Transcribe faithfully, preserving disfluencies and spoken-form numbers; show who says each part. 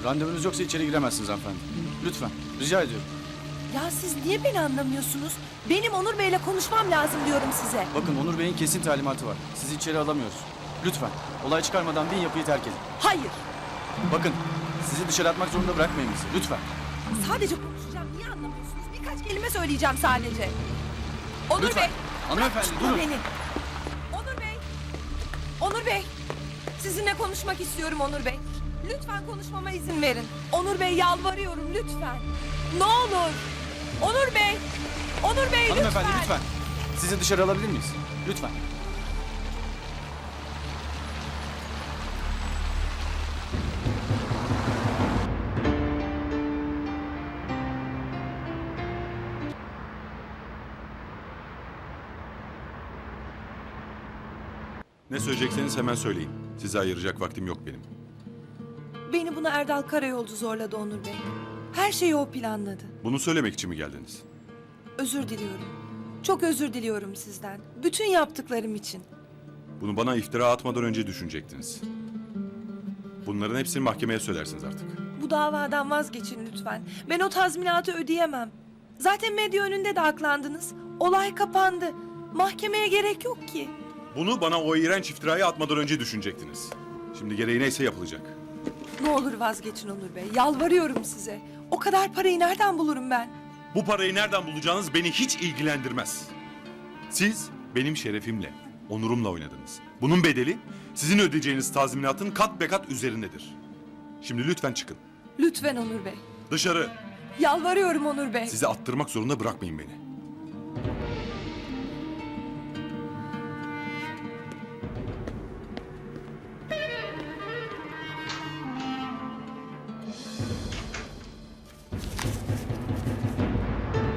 Speaker 1: Randevunuz yoksa içeri giremezsiniz hanımefendi. Lütfen, rica ediyorum.
Speaker 2: Ya siz niye beni anlamıyorsunuz? Benim Onur Bey'le konuşmam lazım diyorum size.
Speaker 1: Bakın Onur Bey'in kesin talimatı var. Sizi içeri alamıyoruz. Lütfen, olay çıkarmadan bin yapıyı terk edin.
Speaker 2: Hayır.
Speaker 1: Bakın, sizi dışarı atmak zorunda bırakmayın bizi. Lütfen.
Speaker 2: Sadece konuşacağım. Niye anlamıyorsunuz? Birkaç kelime söyleyeceğim sadece. Onur
Speaker 1: Lütfen.
Speaker 2: Bey.
Speaker 1: Hanımefendi,
Speaker 2: tutma
Speaker 1: durun.
Speaker 2: beni. Onur Bey. Onur Bey. Sizinle konuşmak istiyorum Onur Bey. Lütfen konuşmama izin verin. Onur Bey yalvarıyorum lütfen. Ne olur. Onur Bey. Onur Bey lütfen.
Speaker 1: Hanımefendi lütfen. Sizi dışarı alabilir miyiz? Lütfen.
Speaker 3: Ne söyleyecekseniz hemen söyleyin. Size ayıracak vaktim yok benim.
Speaker 2: Beni buna Erdal Karayolcu zorladı Onur Bey. Her şeyi o planladı.
Speaker 3: Bunu söylemek için mi geldiniz?
Speaker 2: Özür diliyorum. Çok özür diliyorum sizden. Bütün yaptıklarım için.
Speaker 3: Bunu bana iftira atmadan önce düşünecektiniz. Bunların hepsini mahkemeye söylersiniz artık.
Speaker 2: Bu davadan vazgeçin lütfen. Ben o tazminatı ödeyemem. Zaten medya önünde de aklandınız. Olay kapandı. Mahkemeye gerek yok ki.
Speaker 3: Bunu bana o iğrenç iftirayı atmadan önce düşünecektiniz. Şimdi gereği neyse yapılacak.
Speaker 2: Ne olur vazgeçin Onur Bey. Yalvarıyorum size. O kadar parayı nereden bulurum ben?
Speaker 3: Bu parayı nereden bulacağınız beni hiç ilgilendirmez. Siz benim şerefimle, onurumla oynadınız. Bunun bedeli sizin ödeyeceğiniz tazminatın kat be kat üzerindedir. Şimdi lütfen çıkın.
Speaker 2: Lütfen Onur Bey.
Speaker 3: Dışarı.
Speaker 2: Yalvarıyorum Onur Bey.
Speaker 3: Sizi attırmak zorunda bırakmayın beni.